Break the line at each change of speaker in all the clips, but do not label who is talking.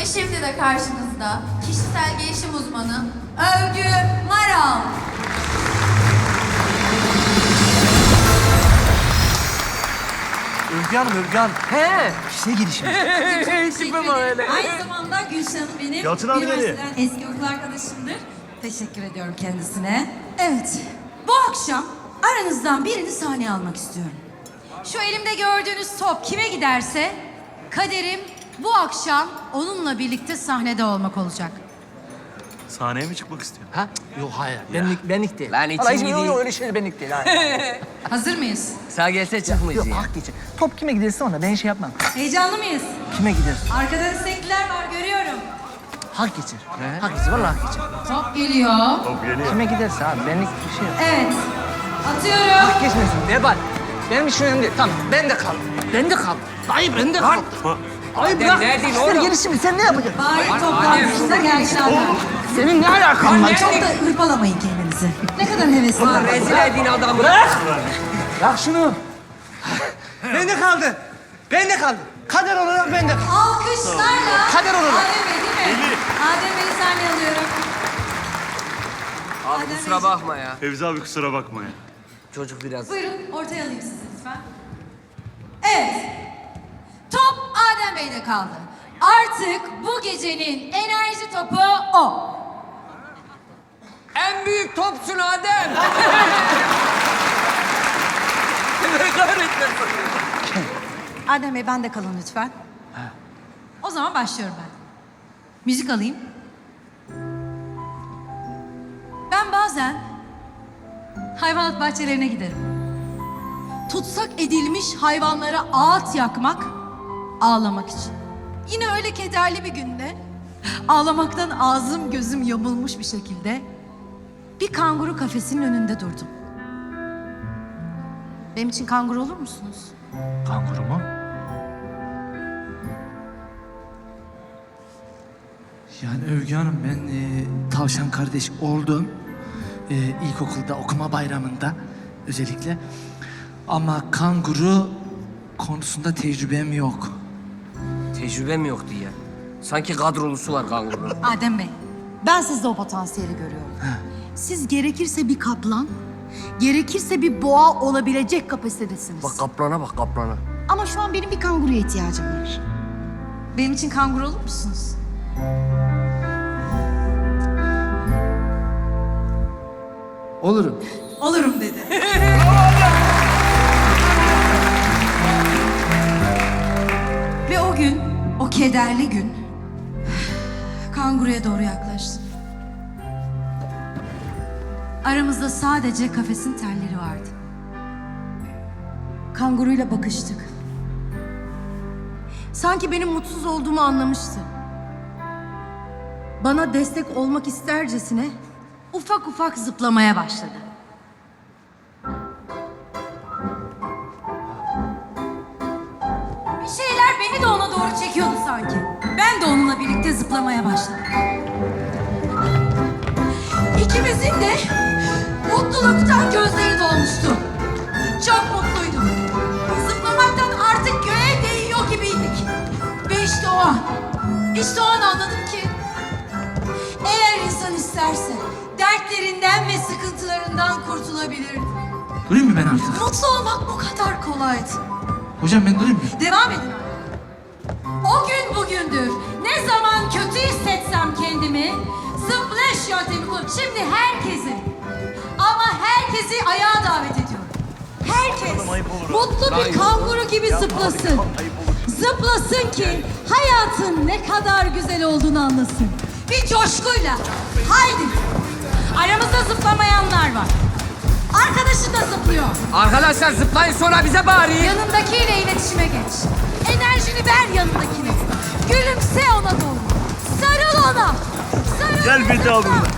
Şimdi de karşınızda kişisel gelişim uzmanı Övgü Maral.
Övgü Hanım, Övgü Hanım.
He.
Kişisel gelişim.
Tipe bak öyle.
Aynı zamanda Gülşen benim
Yalçın abi nereye?
üniversiteden eski okul arkadaşımdır. Teşekkür ediyorum kendisine. Evet, bu akşam aranızdan birini sahneye almak istiyorum. Şu elimde gördüğünüz top kime giderse kaderim bu akşam onunla birlikte sahnede olmak olacak.
Sahneye mi çıkmak istiyor?
Ha? Yok hayır. Benlik değil.
Lan için
Vallahi hiç-
gideyim.
yok, öyle şeyler benlik değil. Hayır.
Hazır mıyız?
Sağ gelse çıkmayız
Yok
ya.
hak geçer. Top kime giderse ona ben şey yapmam.
Heyecanlı mıyız?
Kime giderse.
Arkada destekliler var görüyorum.
Hak geçer. Hak geçer. Vallahi hak geçer.
Top geliyor.
Top geliyor.
Kime giderse abi benlik bir şey yok.
Evet. Atıyorum.
Hak geçmesin. Vebal. Benim için önemli değil. Tamam ben de kaldım. Ben de kaldım. Dayı ben de kaldım. Dayı bırak.
neredeydin
Kişisel
oğlum?
gelişimi sen ne yapacaksın?
Bari toplantısında gelsinler.
Senin ne alakan var?
Çok da hırpalamayın kendinizi. Ne kadar hevesli.
Lan rezil edin adamı.
Bırak şunu. Ben de kaldı. Ben de kaldı. Kader olarak ben de kaldım.
Alkışlarla
Kader olarak.
Adem Bey değil mi? Adem Bey'i sahneye alıyorum.
Abi kusura bakma ya.
Fevzi abi kusura bakma ya.
Çocuk biraz...
Buyurun ortaya alayım sizi lütfen. Evet. Top Adem Bey'de kaldı. Artık bu gecenin enerji topu o.
En büyük topsun Adem. Ne kahretsin.
Adem Bey bende kalın lütfen. O zaman başlıyorum ben. Müzik alayım. Ben bazen hayvanat bahçelerine giderim. Tutsak edilmiş hayvanlara ağıt yakmak, ağlamak için. Yine öyle kederli bir günde ağlamaktan ağzım gözüm yamulmuş bir şekilde bir kanguru kafesinin önünde durdum. Benim için kanguru olur musunuz?
Kanguru mu? Yani Övgü Hanım ben tavşan kardeş oldum. İlkokulda okuma bayramında özellikle. Ama kanguru konusunda tecrübem yok.
Tecrübem yok diye. Sanki kadrolusu var kangurunun.
Adem Bey, ben sizde o potansiyeli görüyorum. Siz gerekirse bir kaplan, gerekirse bir boğa olabilecek kapasitedesiniz.
Bak kaplana bak kaplana.
Ama şu an benim bir kanguruya ihtiyacım var. Benim için kanguru olur musunuz?
Olurum.
Olurum dedi. Ve o gün, o kederli gün, kanguruya doğru yaklaştım. Aramızda sadece kafesin telleri vardı. Kanguruyla bakıştık. Sanki benim mutsuz olduğumu anlamıştı. Bana destek olmak istercesine ufak ufak zıplamaya başladı. Bir şeyler beni de ona doğru çekiyordu sanki. Ben de onunla birlikte zıplamaya başladım. İkimizin de mutluluktan gözleri dolmuştu. Çok mutluydum. Zıplamaktan artık göğe değiyor gibiydik. Ve işte o an anladım ki eğer insan isterse dertlerinden ve sıkıntılarından kurtulabilir.
Durayım mı ben artık?
Mutlu olmak bu kadar kolaydı.
Hocam ben durayım mı?
Devam edin. O gün bugündür. Ne zaman kötü hissetsem kendimi splash yöntemi kullanıyorum. Şimdi herkesi ama herkesi ayağa davet ediyorum. Herkes mutlu bir kanguru gibi zıplasın. Zıplasın ki hayatın ne kadar güzel olduğunu anlasın. Bir coşkuyla. Haydi. Aramızda zıplamayanlar var. Arkadaşı da zıplıyor.
Arkadaşlar zıplayın sonra bize bağırın.
Yanındakiyle iletişime geç. Enerjini ver yanındakine. Gülümse ona doğru. Sarıl ona. Sarıl
Gel bir daha bununla.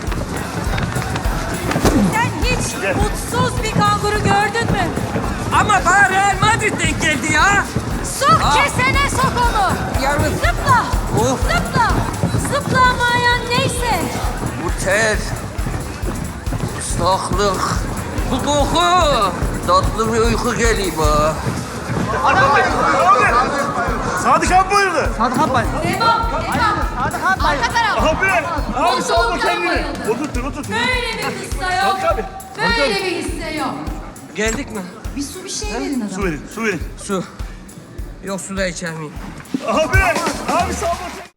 Sen hiç mutsuz bir kanguru gördün mü?
Ama bana Real Madrid denk geldi ya.
Sok kesene sok onu.
Yalnız
Zıpla.
Of.
Zıpla. Zıplamayan neyse.
bu ter, ıslaklık, bu koku. Tatlı bir uyku geliyor bana.
Sadık abi buyurdu.
Sadık abi.
Devam. Devam.
Hadi kalk dayı.
Arka taraf.
Abi! Abi salma
Mutluluktan
kendini.
bayıldım.
Otur otur.
Böyle bir kıssa yok.
Kalk abi.
Böyle bir hisse yok.
Geldik mi?
Bir su bir şey verin adama.
Su verin.
Su. Yok su da içer miyim?
Abi! Abi salma kendini.